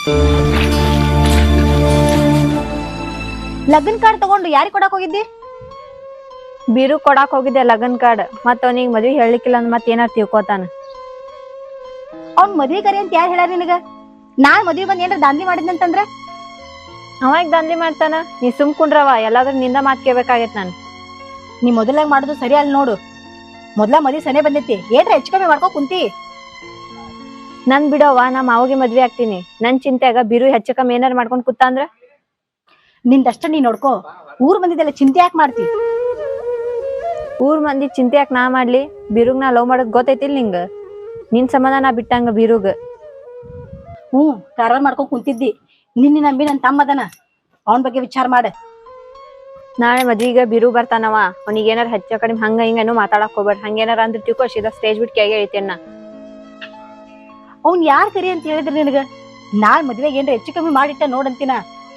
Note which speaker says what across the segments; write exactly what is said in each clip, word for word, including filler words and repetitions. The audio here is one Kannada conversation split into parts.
Speaker 1: ಲಗ್ನ ಕಾರ್ಡ್ ತಗೊಂಡು ಯಾರಿಗ್ ಕೊಡಾಕ್ ಹೋಗಿದ್ದಿ?
Speaker 2: ಬೀರು ಕೊಡಾಕ್ ಹೋಗಿದ್ದೆ ಲಗ್ನ ಕಾರ್ಡ್. ಮತ್ತ ಅವನಿಗೆ ಮದ್ವಿ ಹೇಳಲಿಕ್ಕಿಲ್ಲ ಅಂದ್ ಮತ್ ಏನಾರ ತಿಳ್ಕೊತಾನ.
Speaker 1: ಅವ್ನ್ ಮದ್ವಿ ಕರಿ ಅಂತ ಯಾರು ಹೇಳ ನಿನಗ? ನಾನ್ ಮದ್ವಿ ಬಂದ್ ಏನಾರ ದಾಂಧಿ ಮಾಡಿದ್ನಂತಂದ್ರ
Speaker 2: ಅವಾಗ ದಂಧಿ ಮಾಡ್ತಾನ. ನೀ ಸುಮ್ ಕುಂಡ್ರವ, ಎಲ್ಲಾದ್ರೂ ನಿಂದ ಮಾತ್ ಕೇಳ್ಬೇಕಾಗೈತ್ ನಾನು.
Speaker 1: ನೀ ಮೊದಲಾಗ ಮಾಡುದು ಸರಿ ಅಲ್ ನೋಡು. ಮೊದ್ಲ ಮದ್ವಿ ಸನೆ ಬಂದೈತಿ, ಏನ್ರ ಹೆಚ್ಚು ಕಮ್ಮಿ ಮಾಡ್ಕೋ ಕುಂತಿ.
Speaker 2: ನನ್ ಬಿಡೋವ, ನಾ ಮಾವಗೆ ಮದ್ವಿ ಆಗ್ತೀನಿ. ನನ್ ಚಿಂತೆಯಾಗ ಬಿರು ಹೆಚ್ಚು ಕಮ್ಮಿ ಏನಾರ ಮಾಡ್ಕೊಂಡ್ ಕೂತ ಅಂದ್ರ
Speaker 1: ನಿಂದಷ್ಟ ನೀ ನೋಡ್ಕೋ. ಊರ್ ಮಂದಿದೆಲ್ಲ ಚಿಂತೆ ಯಾಕೆ ಮಾಡ್ತಿ?
Speaker 2: ಊರ್ ಮಂದಿ ಚಿಂತೆ ಯಾಕೆ ನಾ ಮಾಡ್ಲಿ? ಬಿರುಗ್ ನಾ ಲವ್ ಮಾಡೋದ್ ಗೊತ್ತೈತಿಲ್ ನಿಂಗ? ನಿನ್ ಸಂಬಂಧ ನಾ ಬಿಟ್ಟಂಗ ಬಿರುಗ್.
Speaker 1: ಹ್ಮ್ ಕಾರವಾರ ಮಾಡ್ಕೊಂಡ್ ಕುಂತಿದ್ದಿ. ನಿನ್ನ ನಂಬಿ ನನ್ ತಮ್ಮ ಅದನ, ಅವನ್ ಬಗ್ಗೆ ವಿಚಾರ ಮಾಡ.
Speaker 2: ನಾಳೆ ಮದ್ವಿಗ ಬಿರು ಬರ್ತಾನವ. ಅವನಿಗೆ ಏನಾರ ಹೆಚ್ಚ ಕಡಿಮೆ ಹಂಗ ಹಿಂಗೇನು ಮಾತಾಡಕ್ ಹೋಗ್ಬೇಡ. ಹಂಗೇನಾರ ಅಂದ್ರ ತಿಳ್ಕೊ, ಸೀದಾ ಸ್ಟೇಜ್ ಬಿಟ್ಟು ಕೆಳಗೆ ಇಳಿತೇನ.
Speaker 1: ಅವ್ನ್ ಯಾರ್ ಕರಿ ಅಂತ ಹೇಳಿದ್ರಿ ನಿನಗ? ನಾಳೆ ಮದ್ವೆಗೆ ಏನ್ರ ಹೆಚ್ಚು ಕಮ್ಮಿ ಮಾಡಿಟ್ಟ ನೋಡಂತಿನ.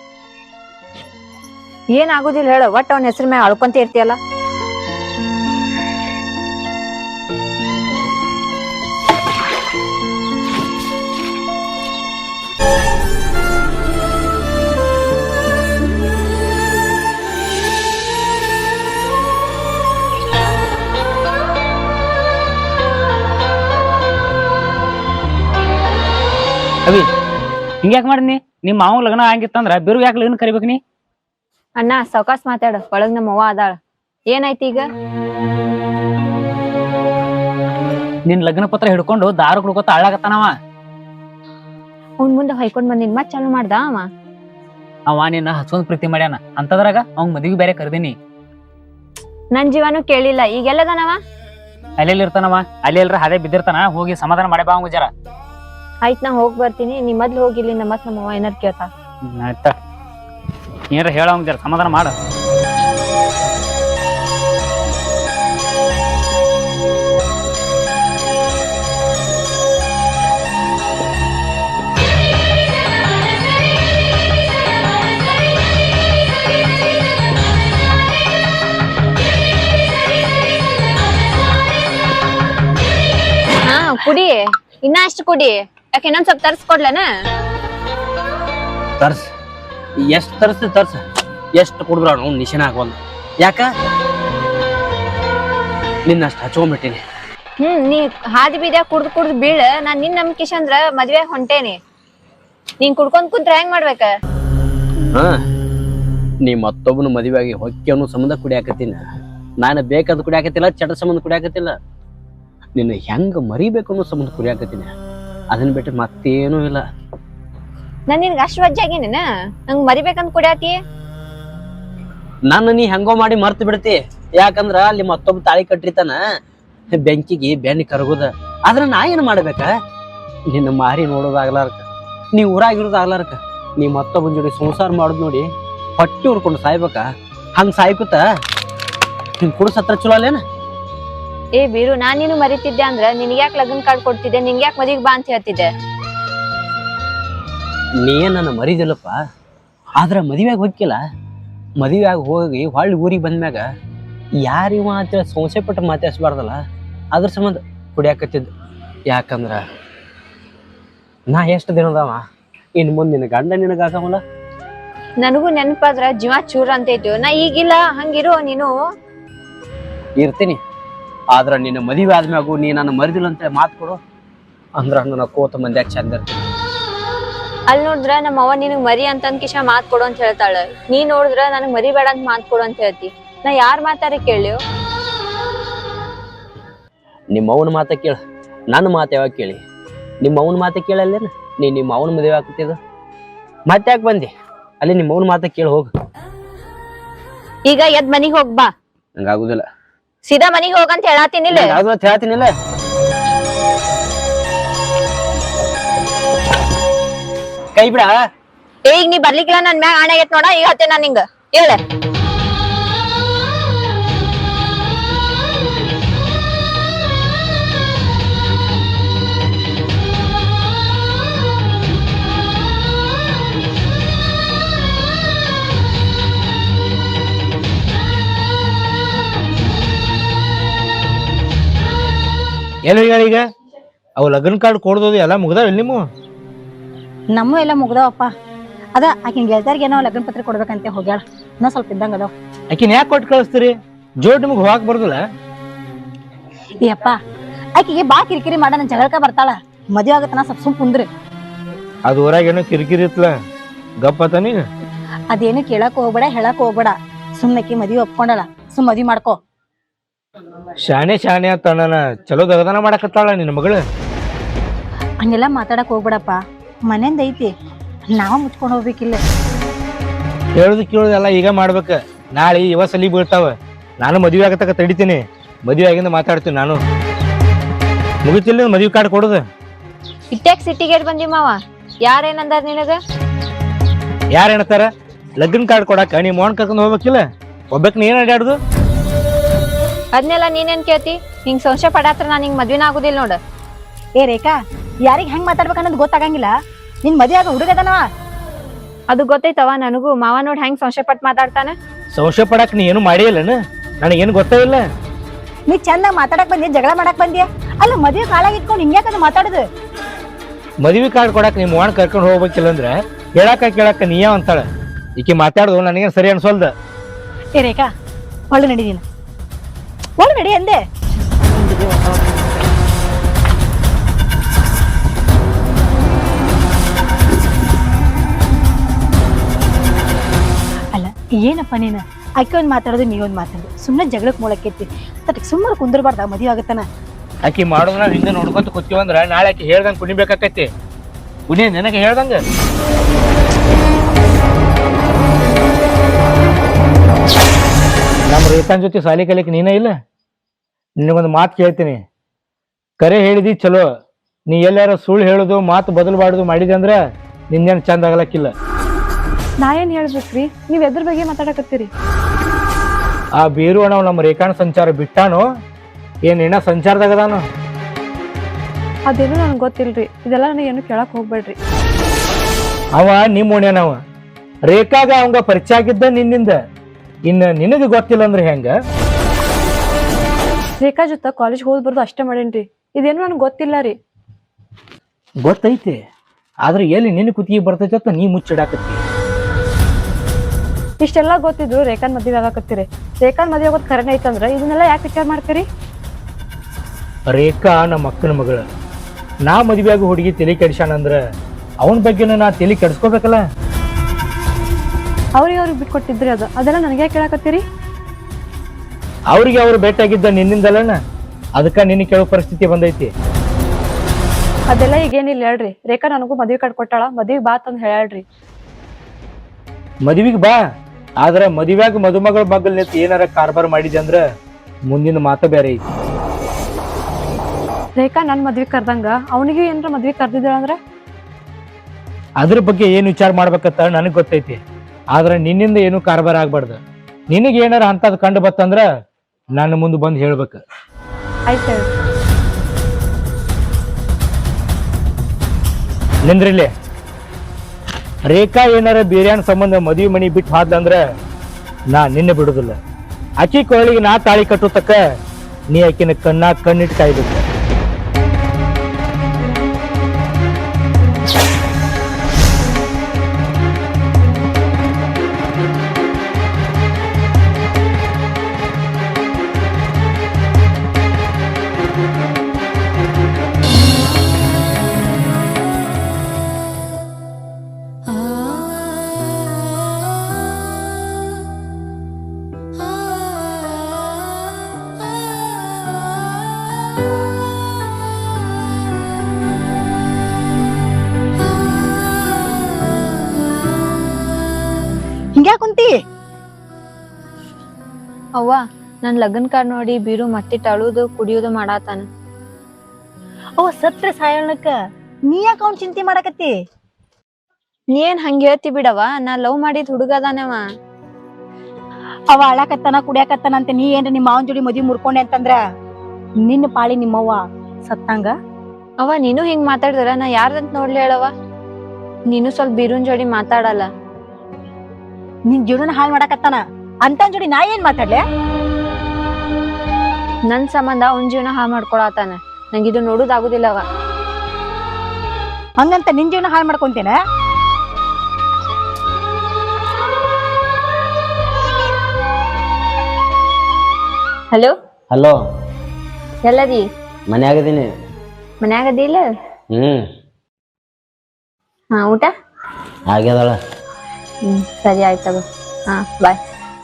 Speaker 2: ಏನ್ ಆಗುದಿಲ್ಲ ಹೇಳ, ಒಟ್ಟ ಅವನ ಹೆಸರು ಮ್ಯಾಗ ಅಳ್ಕೊಂತ ಇರ್ತೀಯಲ್ಲ.
Speaker 3: ಅವಿ ಹಿಂಗ್ಯಾಕ್ ಮಾಡಿದ್ನಿ? ನಿಮ್ ಮಾವ ಲಗ್ನ ಆಗಿತ್ತಂದ್ರ ಬಿರು ಯಾಕೆ ಲಗ್ನ ಕರಿಬೇಕ್ ನೀ?
Speaker 2: ಅಣ್ಣ ಸಾವಕಾಸ್ ಮಾತಾಡ, ಒಳಗ್ ನಮ್ಮ ಅವ್ವ ಅದಾಳ. ಏನಾಯ್ತು ಈಗ?
Speaker 3: ನಿನ್ ಲಗ್ನ ಪತ್ರ ಹಿಡ್ಕೊಂಡು ದಾರು ಕುಡ್ಕೊತ ಅಳ್ಳಾಗತ್ತಾನವ.
Speaker 2: ಅವ್ನ್ ಮುಂದೆ ಹೊಯ್ಕೊಂಡ್ ಬಂದಿನ್ ಮತ್ ಚಾಲು ಮಾಡ್ದ ಅವ.
Speaker 3: ಅವ ನಿನ್ನ ಹಸ್ಕೊಂಡ್ ಪ್ರೀತಿ ಮಾಡ್ಯಾನ, ಅಂತದ್ರಾಗ ಅವ್ನ್ ಮದ್ವಿಗೆ ಬೇರೆ ಕರ್ದೀನಿ.
Speaker 2: ನನ್ ಜೀವನು ಕೇಳಿಲ್ಲ, ಈಗೆಲ್ಲದನವ?
Speaker 3: ಅಲ್ಲೆಲ್ಲಿ ಇರ್ತಾನವ? ಅಲ್ಲಿ ಎಲ್ರ ಅದೇ ಬಿದ್ದಿರ್ತಾನ. ಹೋಗಿ ಸಮಾಧಾನ ಮಾಡಿ ಬಾ ಜರ.
Speaker 2: ಆಯ್ತ್ ನಾ ಹೋಗ್ ಬರ್ತೀನಿ, ನೀ ಮೊದ್ಲು ಹೋಗಿಲ್ಲಿಂದ ಮತ್ ನಮ್ಮ ಅವ್ವ ಏನಾರ ಕೇಳ್ತಾ.
Speaker 3: ಆಯ್ತ, ಏನಾರ ಹೇಳ ಜರ ಸಮಾಧಾನ ಮಾಡ.
Speaker 2: ಹಾ ಕುಡಿ, ಇನ್ನ ಅಷ್ಟು ಕುಡಿ. ಯಾಕೆ ಇನ್ನೊಂದ್ ಸ್ವಲ್ಪ ತರ್ಸ್ಕೊಡ್ಲನ?
Speaker 4: ತರ್ಸ್ ಎಷ್ಟ್ ತರ್ಸ್ ತರ್ಸ ಎಷ್ಟ್ ಕುಡಿದ್ರ ನಾವು ನಿಶನ ಆಗೋಲ್ಲ. ಯಾಕ ನಿನ್ನಷ್ಟು ಹಚ್ಕೊಂಡ್ಬಿಟ್ಟಿನಿ.
Speaker 2: ಹ್ಮ್ ನೀ ಹಾದಿ ಬೀದ್ಯಾಗ ಕುಡ್ದು ಕುಡ್ದು ಬೀಳ. ನಾನ್ ನಿನ್ ನಂಬಿಕೆ ಅಂದ್ರ ಮದ್ವೆ ಹೊಂಟೇನಿ. ನೀನ್ ಕುಡ್ಕೊಂಡ್ ಕುಂತ್ರ ಹೆಂಗ್ ಮಾಡ್ಬೇಕ?
Speaker 4: ಹಾ ನೀ ಮತ್ತೊಬ್ಬನ ಮದುವೆ ಆಗಿ ಹೊಕ್ಕಿ ಅನ್ನೋ ಸಂಬಂಧ ಕುಡಿಯಾಕತ್ತೀನಿ. ನಾನು ಬೇಕಾದ್ ಕುಡಿಯಾಕತ್ತಿಲ್ಲ, ಚಟ ಸಂಬಂಧ ಕುಡಿಯಾಕತ್ತಿಲ್ಲ. ನಿನ್ನ ಹೆಂಗ ಮರಿಬೇಕು ಅನ್ನೋ ಸಂಬಂಧ ಕುಡಿಯಾಕತ್ತೀನಿ. ಅದನ್ನ ಬಿಟ್ಟು ಮತ್ತೇನೂ ಇಲ್ಲ.
Speaker 2: ನಾನ್ ನಿನ್ಗ ಅಷ್ಟ್ ವಜ್ಜಾಗೇನೇನ ನಂಗ್ ಮರಿಬೇಕಂತ ಕುಡಿಯಾತಿ?
Speaker 4: ನನ್ನ ನೀ ಹೆಂಗೋ ಮಾಡಿ ಮರ್ತು ಬಿಡ್ತಿ. ಯಾಕಂದ್ರ ಅಲ್ಲಿ ಮತ್ತೊಬ್ಬ ತಾಳಿ ಕಟ್ಟಿರ್ತಾನ, ಬೆಂಕಿಗೆ ಬೆನ್ನಿ ಕರಗುದ. ಆದ್ರ ನಾ ಏನ್ ಮಾಡ್ಬೇಕ? ನಿನ್ನ ಮಾರಿ ನೋಡೋದಾಗ್ಲಾರ್ಕ, ನೀ ಊರಾಗಿರೋದಾಗ್ಲಾರ್ಕ, ನೀ ಮತ್ತೊಬ್ಬನ ಜೋಡಿ ಸಂಸಾರ ಮಾಡೋದ್ ನೋಡಿ ಹೊಟ್ಟಿ ಉರ್ಕೊಂಡು ಸಾಯ್ಬೇಕ. ಹಂಗ ಸಾಯ್ಕುತ್ತ ನಿನ್ ಕುಡ್ಸ ಹತ್ರ ಚಲೋ ಅಲ್ಲೇನ?
Speaker 2: ಏ ಬೀರು, ನಾನ್ ನೀನು ಮರಿತಿದ್ದೆ ಅಂದ್ರ ನಿನ್ಗ್ಯಾಕ್ ಲಗ್ನ ಕಾರ್ಡ್ ಕೊಡ್ತಿದ್ದೆ? ನಿನ್ಗ್ಯಾಕ್ ಮದ್ವಿಗ್ ಬಾ ಅಂತ ಹೇಳ್ತಿದ್ದೆ?
Speaker 4: ನೀ ನನ್ನ ಮರಿದಿಲ್ಲಪ್ಪ, ಆದ್ರ ಮದುವೆಯಾಗ ಹೋಗಿಲ್ಲ. ಮದುವೆಯಾಗ ಹೋಗಿ ಹೊಳ್ಳಿ ಊರಿಗೆ ಬಂದ್ಮ್ಯಾಗ ಯಾರಿವ ಅಂತೇಳಿ ಸಂಶಯ ಪಟ್ಟು ಮಾತಾಡ್ಸ್ಬಾರ್ದಲ್ಲ. ಅದ್ರ ಸಂಬಂಧ ಕುಡಿಯಾಕತ್ತಿದ್ದು. ಯಾಕಂದ್ರ ನಾ ಎಷ್ಟು ದಿನದವ, ಇನ್ ಮುಂದೆ ನಿನ್ನ ಗಂಡ ನಿನಗಾಗವಲ್ಲ.
Speaker 2: ನನಗೂ ನೆನಪಾದ್ರ ಜೀವ ಚೂರ ಅಂತೈತು. ನಾ ಈಗಿಲ್ಲ, ಹಂಗಿರೋ ನೀನು.
Speaker 4: ಇರ್ತೀನಿ, ಆದ್ರ ನಿನ್ನ ಮದುವೆ ಆದ್ಮ್ಯಾಗು ನೀ ನನ್ನ ಮರಿದಿಲ್ಲ ಅಂತ ಮಾತು ಕೊಡು ಅಂದ್ರ ನನ್ನ ಕೋತ ಮಂದ್ಯಾಗ ಚಂದ ಇರ್ತೀನಿ.
Speaker 2: ಅಲ್ಲಿ ನೋಡಿದ್ರ ನಮ್ಮ ಅವ್ವ ನಿನಗ್ ಮರಿ ಅಂತಂದ್ ಕಿಶ ಮಾತ್ ಕೊಡು ಅಂತ ಹೇಳ್ತಾಳ. ನೀ ನೋಡಿದ್ರ ನನಗ್ ಮರಿ ಬೇಡ ಅಂತ ಮಾತ್ ಕೊಡು ಅಂತ ಹೇಳ್ತಿ. ನಾ ಯಾರ್ ಮಾತಾರ ಕೇಳಿಯೋ?
Speaker 4: ನಿಮ್ಮ ಅವನ ಮಾತ ಕೇಳ, ನನ್ನ ಮಾತು ಯಾವಾಗ ಕೇಳಿ? ನಿಮ್ಮ ಅವನ ಮಾತ ಕೇಳಲ್ಲೇನ? ನೀ ನಿಮ್ಮ ಅವನ ಮದುವೆ ಆಗ್ತಿದ್ದ ಮತ್ತೆ ಯಾಕೆ ಬಂದಿ? ಅಲ್ಲಿ ನಿಮ್ಮ ಅವನ ಮಾತ ಕೇಳಿ ಹೋಗ.
Speaker 2: ಈಗ ಎದ್ ಮನಿಗ್ ಹೋಗ್ ಬಾ.
Speaker 4: ನಂಗಾಗುದಿಲ್ಲ.
Speaker 2: ಸೀದಾ ಮನಿಗ್ ಹೋಗಂತ ಹೇಳಾತೀನಿಲ್ಲ?
Speaker 4: ಹೇಳ್ತೀನಿಲ್ಲ. ಕೈ ಬಿಡ.
Speaker 2: ಈಗ ನೀ ಬರ್ಲಿಕ್ಕಿಲ್ಲ, ನನ್ ಮ್ಯಾಗ ಆಣೆ ಆಗೈತ್ ನೋಡ. ಈಗ ಹತ್ತೆ ನಾನ್ ನಿಂಗ ಹೇಳ.
Speaker 5: ಏನು ಈಗ ಅವು ಲಗ್ನ ಕಾರ್ಡ್ ಕೊಡ್ದೋದು ಎಲ್ಲ ಮುಗ್ದಾವ ನಿಮ್ಮ?
Speaker 1: ನಮ್ಮ ಎಲ್ಲ ಮುಗ್ದಾವಪ್ಪ. ಅದ ಆಕಿನ ಗೆಳತಿಯರ್ಗೆ ಏನೋ ಲಗ್ನ ಪತ್ರ ಕೊಡ್ಬೇಕಂತ ಹೋಗ್ಯಾಳ. ಇನ್ನೂ ಸ್ವಲ್ಪ ಇದ್ದಂಗ ಅದಾವ.
Speaker 5: ಆಕಿನ ಯಾಕೆ ಕೊಟ್ಟು ಕಳಿಸ್ತೀರಿ? ಜೋಡ್ ನಿಮ್ಗೆ ಹೋಗಾಕ್ ಬರ್ದಲ್ಲ.
Speaker 1: ಏ ಅಪ್ಪ, ಆಕಿಗೆ ಬಾ ಕಿರಿಕಿರಿ ಮಾಡ ನನ್ ಜಗಳಕ ಬರ್ತಾಳ. ಮದ್ವೆ ಆಗತ್ತನ ಸ್ವಲ್ಪ ಸುಮ್ ಕುಂದ್ರಿ.
Speaker 5: ಅದು ಊರಾಗ ಏನೋ ಕಿರಿಕಿರಿ ಇತ್ಲ, ಗಪ್ಪತ್ತ ನೀಗ
Speaker 1: ಅದೇನು ಕೇಳಕ್ ಹೋಗ್ಬೇಡ, ಹೇಳಕ್ ಹೋಗ್ಬೇಡ. ಸುಮ್ನಕಿ ಮದ್ವಿ ಒಪ್ಕೊಂಡಳ, ಸುಮ್ ಮದ್ವಿ ಮಾಡ್ಕೋ.
Speaker 5: ಶಾಣೆ ಶಾಣೆ ಅಂತ ಅಣ್ಣನ ಚಲೋ ದಗದಾನ ಮಾಡಕತ್ತಾಳ ನಿನ್ನ ಮಗಳು.
Speaker 1: ಹಂಗೆಲ್ಲ ಮಾತಾಡಕ್ ಹೋಗ್ಬೇಡಪ್ಪ. ಮನೆಯಿಂದ ಐತಿ, ನಾವ ಮುಚ್ಕೊಂಡ್ ಹೋಗ್ಬೇಕಿಲ್ಲ.
Speaker 5: ಹೇಳುದು ಕೇಳುದೆಲ್ಲ ಈಗ ಮಾಡ್ಬೇಕ. ನಾಳೆ ಇವ ಸಲಿ ಬೀಳ್ತಾವ. ನಾನು ಮದ್ವೆ ಆಗತಕ್ಕ ತಡಿತೀನಿ. ಮದ್ವೆ ಆಗಿಂದ ಮಾತಾಡ್ತೀನಿ ನಾನು. ಮುಗಿತಿಲ್ಲ ಮದ್ವೆ ಕಾರ್ಡ್ ಕೊಡುದು.
Speaker 2: ಇಟ್ಯಾಕ್ ಸಿಟ್ಟಿಗೇರ್ ಬಂದಿ ಮಾವ? ಯಾರೇನಂದಾರ ನಿನಗ?
Speaker 5: ಯಾರ ಏನತ್ತಾರ? ಲಗ್ನ ಕಾರ್ಡ್ ಕೊಡಾಕ ನೀ ಮೋಹನ್ ಕರ್ಕೊಂಡ್ ಹೋಗ್ಬೇಕಿಲ್ಲ? ಒಬ್ಬಕ್ ನೀ ಏನ್ ಅಡ್ಯಾಡುದು?
Speaker 2: ಅದ್ನೆಲ್ಲ ನೀನೇನ್ ಕೇಳ್ತಿ? ಹಿಂಗ್ ಸಂಶಯ ಪಡಾತ್ರ ನಾನ್ ಹಿಂಗ್ ಮದ್ವಿನ ಆಗುದಿಲ್ಲ ನೋಡ.
Speaker 1: ಏ ರೇಖಾ, ಯಾರಿಗ್ ಹೆಂಗ್ ಮಾತಾಡ್ಬೇಕ ಅನ್ನೋದು ಗೊತ್ತಾಗಂಗಿಲ್ಲ. ನಿನ್ ಮದ್ವೆ ಆಗ ಹುಡುಗದನವ.
Speaker 2: ಅದು ಗೊತ್ತೈತವ ನನಗೂ. ಮಾವ ನೋಡ್ ಹೆಂಗ್ ಸಂಶಯ ಪಟ್ ಮಾತಾಡ್ತಾನ.
Speaker 5: ಸಂಶಯ ಪಡಾಕ ನೀ ಏನು ಮಾಡೇ ಇಲ್ಲನ? ನನಗೇನು ಗೊತ್ತೇ ಇಲ್ಲ.
Speaker 1: ನೀ ಚಂದ ಮಾತಾಡಕ್ ಬಂದಿ, ಜಗಳ ಮಾಡಕ್ ಬಂದಿಯ. ಅಲ್ಲ ಮದ್ವೆ ಕಾಲಾಗ ಇಟ್ಕೊಂಡು ಹಿಂಗ್ಯಾಕಂದ್ ಮಾತಾಡುದು?
Speaker 5: ಮದ್ವಿ ಕಾರ್ಡ್ ಕೊಡಾಕ ನೀ ಮೋಹನ್ ಕರ್ಕೊಂಡು ಹೋಗ್ಬೇಕಿಲ್ಲ ಅಂದ್ರ ಹೇಳಾಕ ಕೇಳಾಕ ನೀಯ ಅಂತಾಳ. ಈಕಿ ಮಾತಾಡುದು ನನಗೇನ್ ಸರಿ ಅನ್ಸೋಲ್ದ.
Speaker 1: ಏ ರೇಖಾ, ಒಳ್ಳೆ ನಡೀನ, ಒಳ್ಳೆ ನಡಿ ಅಂದೆ. ಅಲ್ಲ ಏನಪ್ಪ ನೀನು ಆಕೆ ಒಂದ್ ಮಾತಾಡೋದು, ನೀ ಒಂದ್ ಮಾತಾಡೋದು, ಸುಮ್ಮನೆ ಜಗಳಕ್ ಮೂಲಕೈತಿ. ತಟಕ್ ಸುಮ್ಮನೆ ಕುಂದರ್ಬಾರ್ದ ಮದ್ವೆ ಆಗತ್ತನ.
Speaker 5: ಆಕಿ ಮಾಡೋದ್ರ ಹಿಂದೆ ನೋಡ್ಕೊಂತ ಕೂತೀವಂದ್ರ ನಾಳೆ ಆಕಿ ಹೇಳ್ದಂಗ ಕುಣಿಬೇಕಾಕೈತಿ. ಕುಣಿ ನನಗೆ ಹೇಳ್ದಂಗ. ನಮ್ಮ ರೇಖಾನ್ ಜೊತೆ ಸಾಲಿ ಕಲಿಕ್ ನೀನೇ ಇಲ್ಲ. ನಿನಗೊಂದು ಮಾತು ಕೇಳ್ತೀನಿ. ಕರೆ ಹೇಳಿದಿ ಚಲೋ. ನೀ ಎಲ್ಲಾರ ಸುಳ್ಳು ಹೇಳುದು, ಮಾತು ಬದಲಬಾರ್ದು ಮಾಡಿದೆ ಅಂದ್ರ ನಿನ್ನೇನು ಚಂದ ಆಗಲಕ್ಕಿಲ್ಲ.
Speaker 2: ನಾ ಏನ್ ಹೇಳ್ಬೇಕ್ರಿ? ನೀವ್ ಎದ್ರ ಬಗ್ಗೆ ಮಾತಾಡಕತ್ತೀರಿ?
Speaker 5: ಆ ಬೀರು ಅಣ್ಣ ನಮ್ಮ ರೇಖಾನ್ ಸಂಚಾರ ಬಿಟ್ಟಾನು ಏನ್ ಇನ್ನ ಸಂಚಾರದಾಗದಾನು?
Speaker 2: ಅದೇನು ನನಗೆ ಗೊತ್ತಿಲ್ರಿ. ಇದೆಲ್ಲ ನನಗೆ ಏನು ಕೇಳಕ್ ಹೋಗ್ಬೇಡ್ರಿ.
Speaker 5: ಅವ ನಿಮ್ಮ ಓಣ್ಯಾನವ. ರೇಖಾಗ ಅವಂಗ ಪರಿಚಯ ಆಗಿದ್ದ ನಿನ್ನಿಂದ. ಇನ್ನ ನಿನಗೆ ಗೊತ್ತಿಲ್ಲ ಅಂದ್ರೆ ಹೆಂಗ?
Speaker 2: ರೇಖಾ ಜೊತೆ ಕಾಲೇಜ್ ಹೋದ್ ಬರ್ದು ಅಷ್ಟೇ ಮಾಡೇನ್ರಿ. ಇದೇನು ನನಗೆ ಗೊತ್ತಿಲ್ಲ ರೀ.
Speaker 5: ಗೊತ್ತೈತಿ, ಆದ್ರೆ ಎಲ್ಲಿ ನಿನ್ನ ಕುತ್ತಿಗೆ ಬರ್ತೈತಿ ಅಂತ ನೀ ಮುಚ್ಚಿಡಾಕತ್ತಿ.
Speaker 2: ಇಷ್ಟೆಲ್ಲ ಗೊತ್ತಿದ್ರು ರೇಖಾನ್ ಮದ್ವೆ ಆಗಾಕತ್ತೀರಿ. ರೇಖಾನ್ ಮದ್ವೆ ಆಗೋದ್ ಕರೆನ ಐತಂದ್ರ ಇದನ್ನೆಲ್ಲ ಯಾಕೆ ವಿಚಾರ ಮಾಡ್ತೀರಿ?
Speaker 5: ರೇಖಾ ನಮ್ಮ ಅಕ್ಕನ ಮಗಳ. ನಾ ಮದ್ವೆ ಆಗೋ ಹುಡುಗಿ ತಲೆ ಕೆಡಿಸ್ಯಾನಂದ್ರ ಅವನ ಬಗ್ಗೆನ ನಾ ತಲೆ ಕೆಡಿಸ್ಕೋಬೇಕಲ್ಲ.
Speaker 2: ಅವ್ರಿಗೆ ಅವ್ರಿಗೆ ಬಿಟ್ಕೊಟ್ಟಿದ್ರಿ ಅದು. ಅದೆಲ್ಲ ನನಗೆ ಯಾಕೆ ಕೇಳಾಕತ್ತೀರಿ?
Speaker 5: ಅವ್ರಿಗೆ ಅವ್ರು ಭೇಟಿಯಾಗಿದ್ದ ನಿನ್ನಿಂದಲ್ಲನ, ಅದಕ್ಕ ನಿನ್ನ ಕೇಳೋ ಪರಿಸ್ಥಿತಿ ಬಂದೈತಿ.
Speaker 2: ಅದೆಲ್ಲ ಈಗೇನಿಲ್ಲ ಹೇಳ್ರಿ. ರೇಖಾ ನನಗೂ ಮದ್ವೆ ಕಾರ್ಡ್ ಕೊಟ್ಟಾಳ, ಮದ್ವೆ ಬಾ ತಂದ್ ಹೇಳ್ರಿ.
Speaker 5: ಮದ್ವಿಗ್ ಬಾ, ಆದ್ರ ಮದ್ವ್ಯಾಗ ಮದುಮಗಳ ಮಗಲ್ ನಿಂತ ಏನಾರ ಕಾರ್ಬಾರ್ ಮಾಡಿದೆ ಅಂದ್ರ ಮುಂದಿನ ಮಾತ ಬೇರೆ ಐತಿ.
Speaker 2: ರೇಖಾ ನನ್ ಮದ್ವೆ ಕರ್ದಂಗ ಅವನಿಗೂ ಏನ್ರ ಮದ್ವೆ ಕರ್ದಿದ್ರ ಅಂದ್ರ
Speaker 5: ಅದ್ರ ಬಗ್ಗೆ ಏನ್ ವಿಚಾರ ಮಾಡ್ಬೇಕಂತ ನನಗ್ ಗೊತ್ತೈತಿ. ಆದ್ರ ನಿನ್ನಿಂದ ಏನು ಕಾರ್ಬಾರ್ ಆಗ್ಬಾರ್ದು. ನಿನಗ ಏನಾರ ಅಂತದ್ ಕಂಡು ಬತ್ತಂದ್ರ ನನ್ನ ಮುಂದೆ ಬಂದ್ ಹೇಳ್ಬೇಕ.
Speaker 2: ಆಯ್ತು.
Speaker 5: ನಿಂದ್ರಿಲ್ಲಿ. ರೇಖಾ ಏನಾರ ಬೇರ್ಯಾನ್ ಸಂಬಂಧ ಮದ್ವಿ ಮನಿ ಬಿಟ್ಟು ಹಾದ್ಲಂದ್ರ ನಾ ನಿನ್ನೆ ಬಿಡುದಿಲ್ಲ. ಅಕ್ಕಿ ಕೊರಳಿಗೆ ನಾ ತಾಳಿ ಕಟ್ಟು ತಕ್ಕ ನೀ ಆಕಿನ ಕಣ್ಣಾ ಕಣ್ಣಿಟ್ಟು ಕಾಯ್ಬೇಕು.
Speaker 1: ಹಿಂಗ್ಯಾ ಕುಂತಿ?
Speaker 2: ಅವ್ವ, ನನ್ ಲಗ್ನ ಕಾರ್ಡ್ ನೋಡಿ ಬೀರು ಮತ್ತಿಟ್ಟು ಅಳುದು ಕುಡಿಯೋದು ಮಾಡಾತಾನ.
Speaker 1: ಅವ ಸತ್ರ ಸಾಯಣಕ್ಕ ನೀ ಯಾಕ ಅವ್ನ್ ಚಿಂತೆ ಮಾಡಕತ್ತಿ?
Speaker 2: ನೀ ಏನ್ ಹಂಗ ಹೇಳ್ತಿ ಬಿಡವ. ನಾ ಲವ್ ಮಾಡಿದ್ ಹುಡುಗ ಅದಾನವ.
Speaker 1: ಅವ ಅಳಾಕತ್ತಾನ, ಕುಡಿಯಾಕತ್ತಾನ ಅಂತ ನೀ ಏನ್ರ ನಿಮ್ಮ ಮಾವನ್ ಜೋಡಿ ಮದ್ವಿ ಮುರ್ಕೊಂಡೆ ಅಂತಂದ್ರ ನಿನ್ನ ಪಾಳಿ ನಿಮ್ಮವ್ವ ಸತ್ತಂಗ.
Speaker 2: ಅವ ನೀನು ಹಿಂಗ್ ಮಾತಾಡಿದ್ರ ನಾ ಯಾರ್ದಂತ ನೋಡ್ಲಿ ಹೇಳವ? ನೀನು ಸ್ವಲ್ಪ ಬೀರುನ್ ಜೋಡಿ ಮಾತಾಡಲ್ಲ.
Speaker 1: ನಿನ್ ಜೀವನ ಹಾಳ್ ಮಾಡಾಕತ್ತಾನ ಅಂತ ಜೋಡಿ ನಾ ಏನ್ ಮಾತಾಡ್ಲೆ?
Speaker 2: ನನ್ ಸಂಬಂಧ ಅವ್ನ ಜೀವನ ಹಾ ಮಾಡ್ಕೊಳತಾನ. ನಂಗಿದು ನೋಡುದಾಗುದಿಲ್ಲವ.
Speaker 1: ಹಂಗಂತ ನಿನ್ ಜೀವನ ಹಾಳು ಮಾಡ್ಕೊಂತೇನ?
Speaker 2: Hello
Speaker 4: hello,
Speaker 2: ಎಲ್ಲದಿ?
Speaker 4: ಮನ್ಯಾಗದೀನಿ.
Speaker 2: ಮನ್ಯಾಗ ಅದಿಲ್ಲ?
Speaker 4: ಹ್ಮ್
Speaker 2: ಹಾ, ಊಟ
Speaker 4: ಆಗ್ಯದಳ.
Speaker 2: ಹ್ಮ್ ಸರಿ ಆಯ್ತದ. ಹಾ ಬಾಯ್.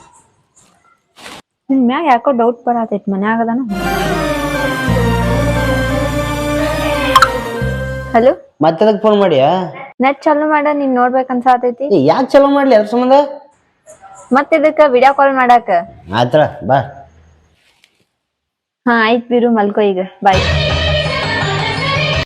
Speaker 2: ನಿನ್ ಮ್ಯಾಗ ಯಾಕೋ ಡೌಟ್ ಬರತೈತಿ, ಮನ್ಯಾಗ ಅದಾನ? ಹಲೋ,
Speaker 4: ಮತ್ತದಕ್ ಫೋನ್ ಮಾಡಿಯಾ?
Speaker 2: ನೆಟ್ ಚಾಲು ಮಾಡ, ನೀನ್ ನೋಡ್ಬೇಕನ್ಸಾತೈತಿ.
Speaker 4: ಯಾಕೆ ಚಲೋ ಮಾಡ್ಲಿ ಅದ್ರ ಸಂಬಂಧ?
Speaker 2: ಮತ್ ಇದಕ್ಕ ವಿಡಿಯೋ ಕಾಲ್ ಮಾಡಾಕ.
Speaker 4: ಆಯ್ತಳ ಬಾ.
Speaker 2: ಹಾ ಆಯ್ತ್ ಬಿರು, ಮಲ್ಕೋ ಈಗ. ಬಾಯ್.